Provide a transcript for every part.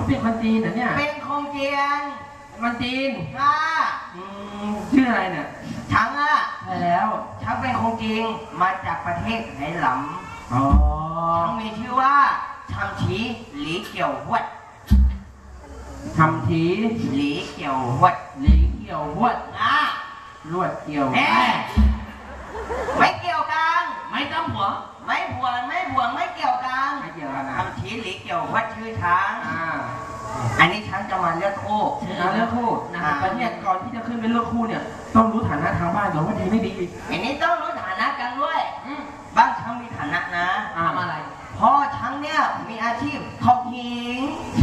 เป็นคนจีนเหรอเนี่ยเป็นคนจีนมันจีนค่ะชื่ออะไรเนี่ยฉันอ่ะใช่แล้วฉันเป็นคนจีนมาจากประเทศไหหลำฉันมีชื่อว่าชัมชีหลีเกี่ยวหวดทำทีหลีเกี่ยวหวดหลีเกี่ยวหวดลวดเกี่ยวไม่เกี่ยวกันไม่ต้องหัวไม่ผัวไม่เกี่ยวกันไม่เกี่ยวกันนะทำชีหลีเกี่ยวหวดชื่อช้างอันนี้ช้างจะมาเลือกคู่เลือกคู่นะครับแต่เนี่ยก่อนที่จะขึ้นเป็นเลือกคู่เนี่ยต้องรู้ฐานะทางบ้านก่อนว่าดีไม่ดีอันนี้ต้องรู้ฐานะกันด้วยบ้านช้างมีฐานะนะทำอะไรพ่อช้างเนี่ยมีอาชีพทอกหิง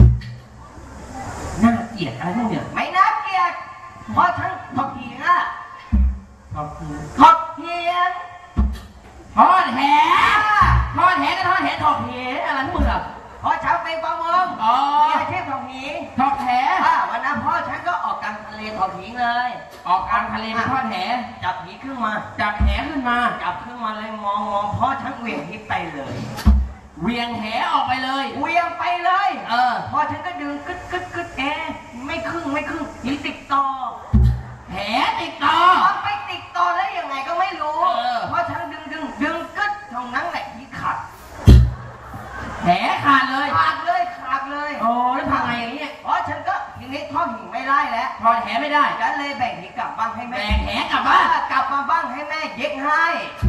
น่าเกลียดอะไรพวกเนี่ยไม่น่าเกลียดพ่อช้างทอกหิงอะทอกหิงทอกหิงทอดแหทอดแหก็ทอดแหทอดแหอะไรพวกมึงอ่ะพ่อช้างเป็นประมงมีอาชีพทอกหิงทอดแหวันนั้นพ่อช้างก็ออกกลางทะเลทอกหิงเลยออกกลางทะเลไปทอดแหจับหิงขึ้นมาจับแหขึ้นมาจับขึ้นมาเลยมองพ่อช้างเหวี่ยงหิงไปเลยเวียงแหออกไปเลยเวียงไปเลยพอฉันก็ดึงกึดไม่ครึ่งหิติดต่อแหติดต่อไปติดต่อแล้วยังไงก็ไม่รู้เพราะฉันดึงกึดตรงนั้นแหละที่ขาดแหขาดเลยโอ้แล้วทำไงอย่างนี้เพราะฉันก็ทีนี้ทอดหิงไม่ได้แล้วทอดแหไม่ได้ฉันเลยแบ่งหิงกลับบ้านให้แม่แบ่งแหกลับบ้านกลับมาบ้านให้แม่เย็บให้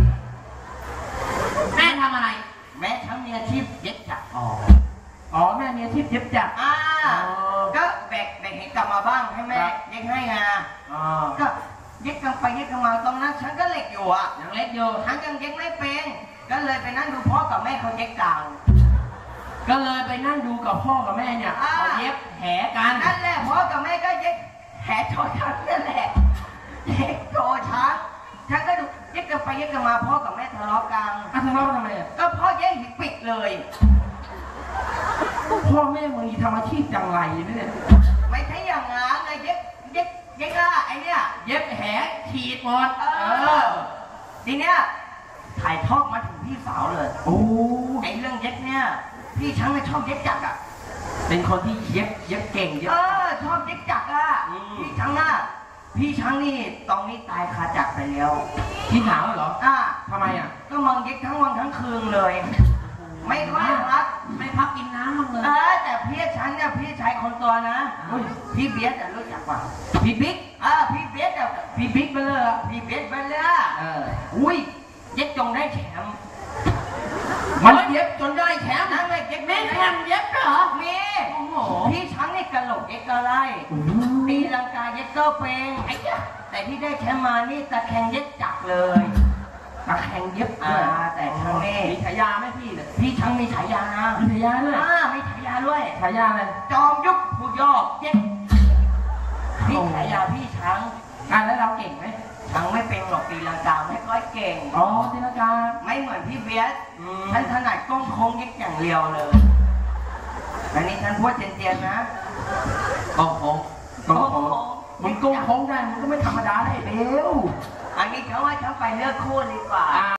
แม่ทำอะไรแม่ฉันมีอาชีพเย็บจักรแม่มีอาชีพเย็บจักรก็แบ่งหิงกลับมาบ้างให้แม่เย็บให้ไงก็เย็บกันไปเย็บกันมาตรงนั้นฉันก็เล็กอยู่ยังเล็กอยู่ฉันยังเย็บไม่เป็นก็เลยไปนั่งดูพ่อกับแม่เขาเย็บกันก็เลยไปนั่งดูกับพ่อกับแม่เนี่ยเขาเย็บแหกันนั่นแหละพ่อกับแม่ก็เย็บแหโชว์ช้างนั่นแหละเย็บโชว์ช้างฉันก็ดูเย็บกันไปเย็บกันมาพ่อกับแม่ทะเลาะกันทะเลาะทำไมก็พ่อเย็บหิปิดเลยพ่อแม่มึงทำอาชีพจังไรเนี่ยไม่ใช่อย่างนั้นเลยเย็บไอ้เนี่ยเย็บแหขีดหมดทีเนี้ยถ่ายทอดมาถึงพี่สาวเลยไอ้เรื่องเย็บเนี่ยพี่ช้างชอบเย็บจักรเป็นคนที่เย็บเก่งชอบเย็บจักรพี่ช้างนี่ตอนนี้ตายคาจักรไปแล้วพี่หนาวเหรอทำไมก็มังเย็บทั้งวันทั้งคืนเลยไม่ค่อยพักกินน้ำมั้งเลยแต่พี่ช้างเนี่ยพี่ชายคนตัวนะพี่เบียดรู้จักป่ะพี่บิ๊กพี่เบียดพี่บิ๊กไปเลยพี่เบียดไปเลยอุ้ยเย็บจงได้แชมป์มันเย็บจนได้แชมป์นั่นเลยเย็บแม่แชมป์เย็บเหรอมีพี่ช้างนี่กระโหลกเย็บก็ไล่ตีลังกาเย็บก็เป็นแต่ที่ได้แชมป์มานี่ตะแคงเย็บจักเลยตะแคงเย็บแต่ช้างนี่มีฉายาไหมพี่เนี่ยพี่ช้างมีฉายานะมีฉายาด้วยมีฉายาด้วยฉายาอะไรจอมยุคผู้ยอกเย็บพี่ฉายาพี่ช้างแล้วเราเก่งไหมช้างไม่เป็นหรอกตีลังกาไม่ค่อยเก่งตีลังกาไม่เหมือนพี่เบียดฉันถนัดก้มโค้งเย็บอย่างเดียวเลยอันนี้ฉันพูดเจียนๆนะก้มโค้งมึงก้มโค้งได้มึงก็ไม่ธรรมดาได้เร็วอันนี้เขาว่าฉันไปเลือกคู่ดีกว่า